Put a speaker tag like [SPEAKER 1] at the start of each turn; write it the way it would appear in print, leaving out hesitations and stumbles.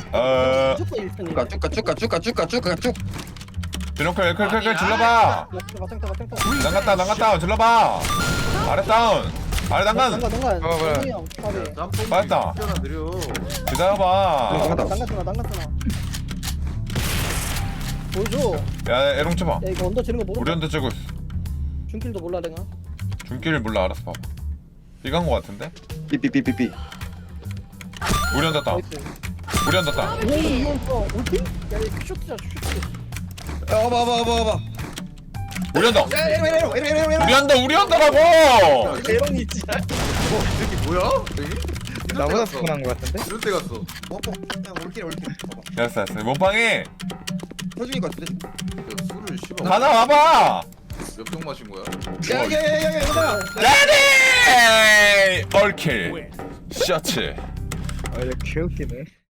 [SPEAKER 1] 무조건 1승.
[SPEAKER 2] 쭉가.
[SPEAKER 3] 드렁클 클 질러봐. 난갔다 질러봐. 아래 다운 아래 난간
[SPEAKER 1] 난간.
[SPEAKER 4] 그래.
[SPEAKER 1] 형, 까비.
[SPEAKER 3] 맞다.
[SPEAKER 4] 느려.
[SPEAKER 3] 기다려봐.
[SPEAKER 1] 난간스나. 보여줘.
[SPEAKER 3] 야 에롱 쳐봐.
[SPEAKER 1] 야 이거 언더 지는 거 모르.
[SPEAKER 3] 우리 한테 찍고 있어.
[SPEAKER 1] 중길도 몰라 내가.
[SPEAKER 3] 중길 몰라. 알았어 봐봐. 이간 거 같은데?
[SPEAKER 2] 삐삐삐삐삐.
[SPEAKER 3] 우리 한테 다운.
[SPEAKER 1] 나이스.
[SPEAKER 3] 우리 한테 다운.
[SPEAKER 1] 이건 또 올팀? 야 이거 슛이야 슛.
[SPEAKER 2] 봐봐.
[SPEAKER 3] 우리 한다.
[SPEAKER 2] 에롱.
[SPEAKER 3] 우리 한다라고.
[SPEAKER 1] 대박이 진짜.
[SPEAKER 4] 이 새끼 뭐야?
[SPEAKER 5] 나보다 피곤한 거 같은데?
[SPEAKER 4] 이런 데 갔어.
[SPEAKER 2] 올킬. 봐봐.
[SPEAKER 3] 됐어. 몸빵이
[SPEAKER 2] 터지는 거 같은데?
[SPEAKER 4] 야, 술을 씹어.
[SPEAKER 3] 가나 와봐.
[SPEAKER 4] 몇병 마신 거야?
[SPEAKER 2] 야야야야 이거다.
[SPEAKER 3] 레디. 얼킬. 셔츠.
[SPEAKER 5] 아 이거 개웃기네